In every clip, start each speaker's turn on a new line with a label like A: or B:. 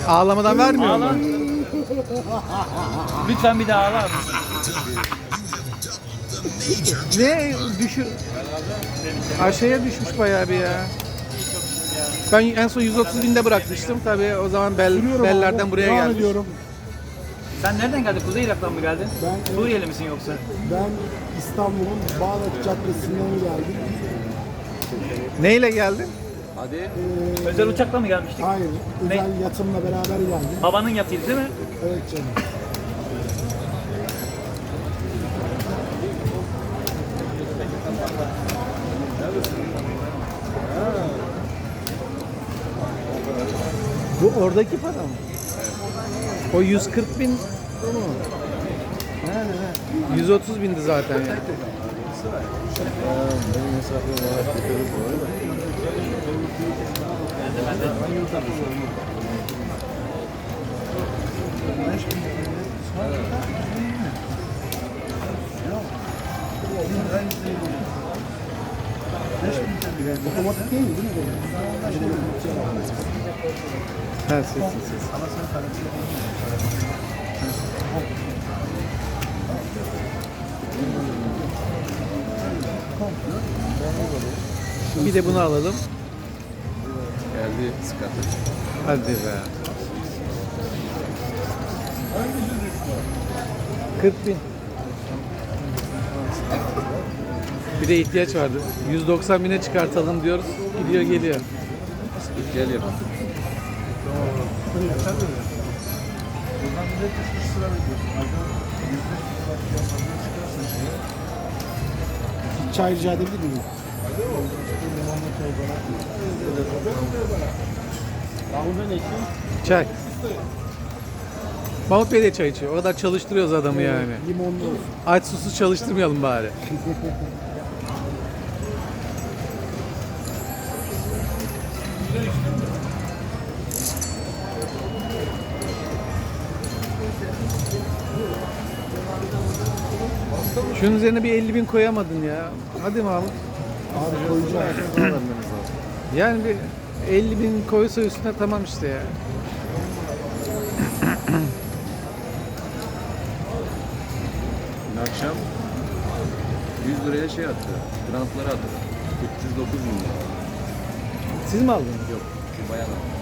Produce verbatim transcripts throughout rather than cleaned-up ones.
A: Ağlamadan vermiyor
B: Ağla.
A: mu?
B: Lütfen bir daha ağlar mısın?
A: Ne düşür? Aşağıya düşmüş bayağı bir ya. Ben en son yüz otuz binde bırakmıştım. Tabii o zaman bel,
C: Sürüyorum
A: bellerden
C: abi,
A: buraya
C: devam
A: gelmiş.
C: ediyorum.
B: Sen nereden geldin? Kuzey Irak'tan mı geldin?
C: Ben-
B: Suriyeli misin yoksa?
C: Ben İstanbul'un Bağdat Caddesi'nden geldim.
A: Neyle geldin?
C: Ee,
B: Özel uçakla mı gelmiştik?
C: Hayır, özel yatımla beraber geldim.
B: Babanın yatıydı değil mi?
C: Evet canım.
A: Bu oradaki para mı? O yüz kırk bin o mu? Ne ne ne? yüz otuz bindi zaten ya.
C: Otomatik değil mi? Değil mi?
A: Ha, ses ses ses. Bir de bunu alalım.
D: Geldi sıkıntı.
A: Hadi be. kırk bin. Bir de ihtiyaç vardı. yüz doksan bine çıkartalım diyoruz. Gidiyor geliyor.
D: Geliyor.
C: Bir çay rica edebilir miyim?
A: Çay. Mahmut Bey de çay içiyor. O kadar çalıştırıyoruz adamı yani.
C: Limonlu olsun.
A: Aç susuz çalıştırmayalım bari. Şunun üzerine bir elli bin koyamadın ya. Hadi Mahmut.
C: Abi koyacağım.
A: Yani bir elli bin koysa üstüne tamam işte ya.
D: Dün akşam yüz liraya şey attı. Grantları attı. üç yüz dokuz bin lira.
A: Siz mi aldınız?
D: Yok. Bir bayan aldı.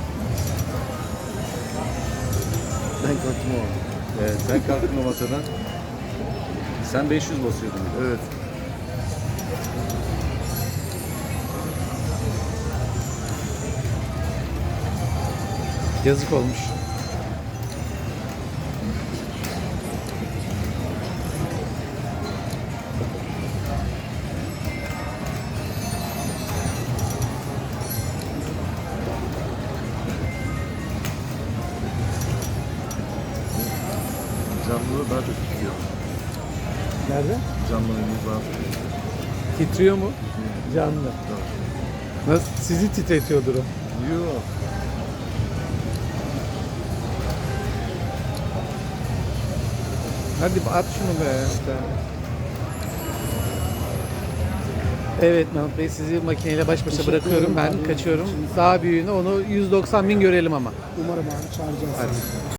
D: Ben kalktım o. Evet. Sen kalktın o masadan. Sen beş yüz basıyordun. Evet.
A: Yazık olmuş.
D: Canlı daha çok tutuyor.
A: Nerede?
D: Canlının yüz daha tutuyor.
A: Titriyor mu? Canlı. Nasıl? Sizi titretiyordur o.
D: Yok.
A: Hadi at şunu be. Evet Mahmut Bey, sizi makineyle baş başa
C: Teşekkür
A: bırakıyorum.
C: ederim
A: Ben
C: abi.
A: kaçıyorum. Daha büyüğünü onu yüz doksan bin görelim ama.
C: Umarım abi çağıracağız.
A: Hadi.